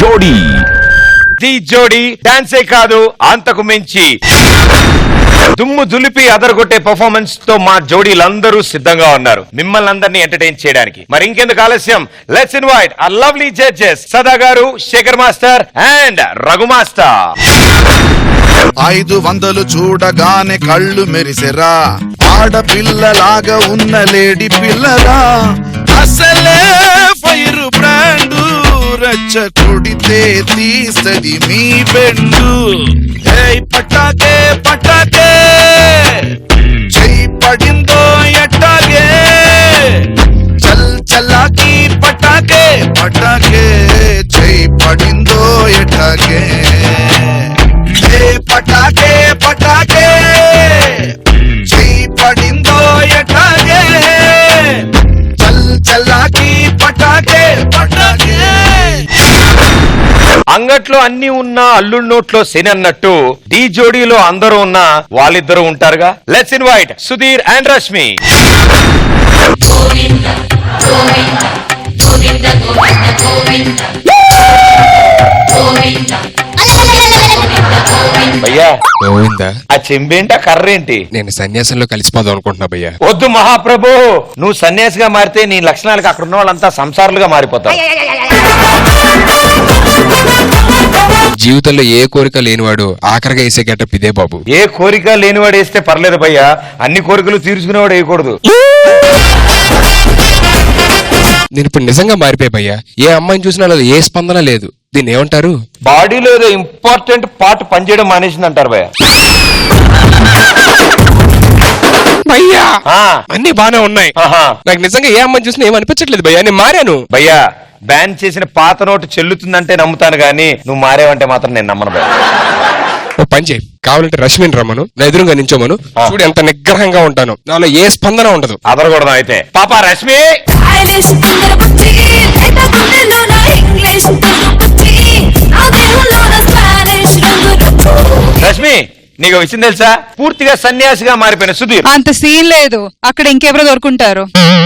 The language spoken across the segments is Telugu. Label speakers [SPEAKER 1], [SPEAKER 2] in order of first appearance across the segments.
[SPEAKER 1] జోడీ.
[SPEAKER 2] ది జోడీ డాన్సే కాదు, అంతకు మించి దుమ్ము దులిపి అదరగొట్టే పర్ఫార్మెన్స్ తో మా జోడీలందరూ సిద్ధంగా ఉన్నారు మిమ్మల్ని అందరినీ ఎంటర్టైన్ చేయడానికి. మరి ఇంకెందుకు ఆలస్యం, లెట్స్ ఇన్వైట్ ఆ lovely judges Sada garu, Shekhar master and Raghu master.
[SPEAKER 3] 500 చూడగానే కళ్ళు మెరిసెరా, ఆడపిల్లలాగా ఉన్న లేడీ పిల్లరా, అసలే ఫైర్ బ్రాండు, రచ్చ కొడితే తీస్తది మీ బెండు. ఏయ్ పటాకే పటాకే, చెయ్యి పడిందో ఎట్టాగే, చల్ చల్లాకి పటాకే పటాకే, చెయ్యి పడిందో ఎట్టాగే. పటాకే పటాకే, చెయ్యి పడిందో ఎట్టాగే, చల్ చల్లాకి పటాకే పటాకే.
[SPEAKER 2] అంగట్లో అన్ని ఉన్నా అల్లుడి నోట్లో శని అన్నట్టు డి జోడీలో అందరూ ఉన్నా వాళ్ళిద్దరూ ఉంటారుగా. Let's invite Sudheer and Rashmi. భయ్యా
[SPEAKER 4] గోవిందా,
[SPEAKER 2] ఆ చెంబేంటి, ఆ కర్రేంటి?
[SPEAKER 4] నేను సన్యాసంలో కలిసిపోదాం అనుకుంటున్నా భయ్యా.
[SPEAKER 2] వద్దు మహాప్రభు, నువ్వు సన్యాసిగా మారితే నీ లక్షణాలకు అక్కడ ఉన్న వాళ్ళంతా సంసారులుగా మారిపోతారు.
[SPEAKER 4] జీవితంలో ఏ కోరిక లేనివాడు ఆఖరిగా వేసే గెటప్ ఇదే బాబు.
[SPEAKER 2] ఏ కోరిక లేనివాడు వేస్తే పర్లేదు భయ్యా, అన్ని కోరికలు తీర్చుకునేవాడు వేయకూడదు.
[SPEAKER 4] నేను ఇప్పుడు నిజంగా మారిపోయా భయ్యా. ఏ అమ్మాయిని చూసినా నాలో ఏ స్పందన లేదు. దీన్ని ఏమంటారు?
[SPEAKER 2] బాడీలో ఏదో ఇంపార్టెంట్ పార్ట్ పనిచేయడం మానేసింది అంటారు భయ్యా.
[SPEAKER 4] భయ్యా అన్ని బానే ఉన్నాయి.
[SPEAKER 2] ఆహా.
[SPEAKER 4] నాకు నిజంగా ఏ అమ్మాయిని చూసినా ఏమనిపించట్లేదు భయ్యా. నేను మారాను
[SPEAKER 2] భయ్యా. బ్యాన్ చేసిన పాత నోటు చెల్లుతుందంటే నమ్ముతాను గానీ నువ్వు మారేవంటే మాత్రం నేను నమ్మను భయ్యా.
[SPEAKER 4] ఓ పని చేయి, కావాలంటే రష్మిని రమ్మను, నా ఎదురుగా నించోమను, చూడు ఎంత నిగ్రహంగా ఉంటాను. నాలో ఏ స్పందన ఉండదు.
[SPEAKER 2] అదరకూడదు అయితే. పాపా రష్మి, రష్మి నీకు విషయం తెలుసా? పూర్తిగా సన్యాసిగా మారిపోయిన సుధీర్.
[SPEAKER 5] అంత సీన్ లేదు, అక్కడ ఇంకెవరో దొరుకుంటారు.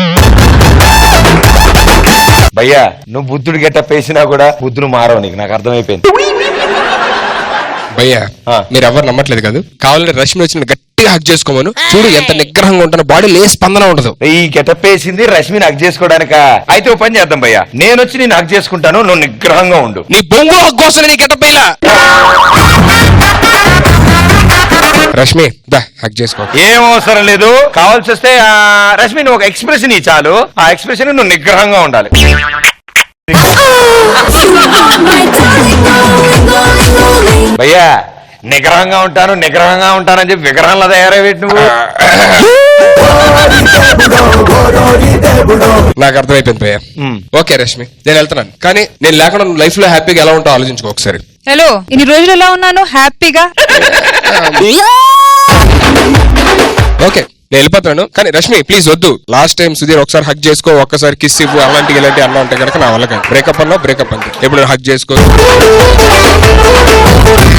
[SPEAKER 2] భయ్యా నువ్వు బుద్ధుడు గెటప్ వేసినా కూడా బుద్ధుడు మారవు, నీకు నాకు అర్థమైపోయింది.
[SPEAKER 4] భయ్యా మీరు ఎవరు నమ్మట్లేదు కదా, కావాలంటే రష్మి వచ్చిన గట్టిగా హక్ చేసుకోమను, చూడు ఎంత నిగ్రహంగా ఉంటాను. బాడీలో ఏ స్పందన ఉండదు.
[SPEAKER 2] ఈ గెటప్ వేసింది రష్మిని హక్ చేసుకోవడానిక? అయితే ఓ పని చేద్దాం భయ్యా, నేను వచ్చి నేను హక్ చేసుకుంటాను, నువ్వు నిగ్రహంగా ఉండు.
[SPEAKER 4] నీ బొంగు హక్ కోసం నీ గెటప్ ఇలా. రష్మి దా హక్ చేసుకో.
[SPEAKER 2] ఏం అవసరం లేదు, కావాల్సి వస్తే రష్మి నువ్వు ఒక ఎక్స్ప్రెషన్ ఇ చాలు, ఆ ఎక్స్ప్రెషన్ నువ్వు నిగ్రహంగా ఉండాలి. భయ్యా నిగ్రహంగా ఉంటానని చెప్పి విగ్రహంలో తయారయ్యేటి నువ్వు.
[SPEAKER 4] నాకు అర్థమైపోయింది భయ్యా. ఓకే రష్మి నేను వెళ్తున్నాను, కానీ నేను లేకుండా లైఫ్ లో హ్యాపీగా ఎలా ఉంటావు ఆలోచించుకో ఒకసారి.
[SPEAKER 5] హలో, ఇన్ని రోజులు ఎలా ఉన్నాను? హ్యాపీగా.
[SPEAKER 4] ఓకే నేను వెళ్ళిపోతాను, కానీ రష్మి ప్లీజ్ వద్దు. లాస్ట్ టైం సుధీర్ ఒకసారి హక్ చేసుకో, ఒక్కసారి కిస్ ఇవ్వు, అలాంటి ఇలాంటి అన్నా ఉంటే కనుక నా వల్ల బ్రేకప్ అన్నా బ్రేకప్ అంతే. ఎప్పుడు హక్ చేసుకో.